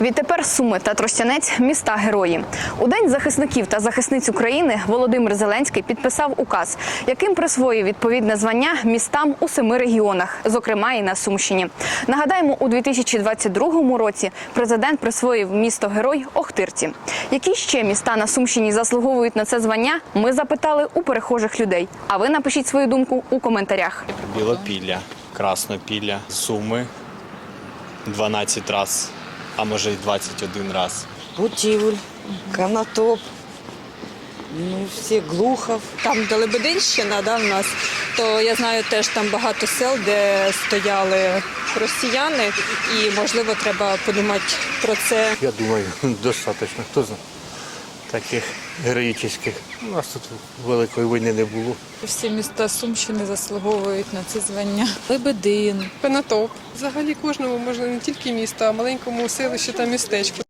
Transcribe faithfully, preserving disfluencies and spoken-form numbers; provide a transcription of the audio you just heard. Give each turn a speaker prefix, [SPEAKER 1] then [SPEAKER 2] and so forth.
[SPEAKER 1] Відтепер Суми та Тростянець – міста-герої. У День захисників та захисниць України Володимир Зеленський підписав указ, яким присвоїв відповідне звання містам у семи регіонах, зокрема і на Сумщині. Нагадаємо, у дві тисячі двадцять другому році президент присвоїв місто-герой Охтирці. Які ще міста на Сумщині заслуговують на це звання, ми запитали у перехожих людей. А ви напишіть свою думку у коментарях.
[SPEAKER 2] Білопілля, Краснопілля, Суми дванадцять раз, а може й двадцять один раз.
[SPEAKER 3] Путівль, Конотоп, ну, всі Глухов.
[SPEAKER 4] Там, де Лебединщина, да, в нас, то я знаю теж там багато сел, де стояли росіяни, і, можливо, треба подумати про це.
[SPEAKER 5] Я думаю, достатньо. Хто знає таких героїчних. У нас тут великої війни не було.
[SPEAKER 6] Всі міста Сумщини заслуговують на це звання. Лебедин.
[SPEAKER 7] Конотоп. Взагалі кожному, можна не тільки місто, а маленькому селищі та містечку.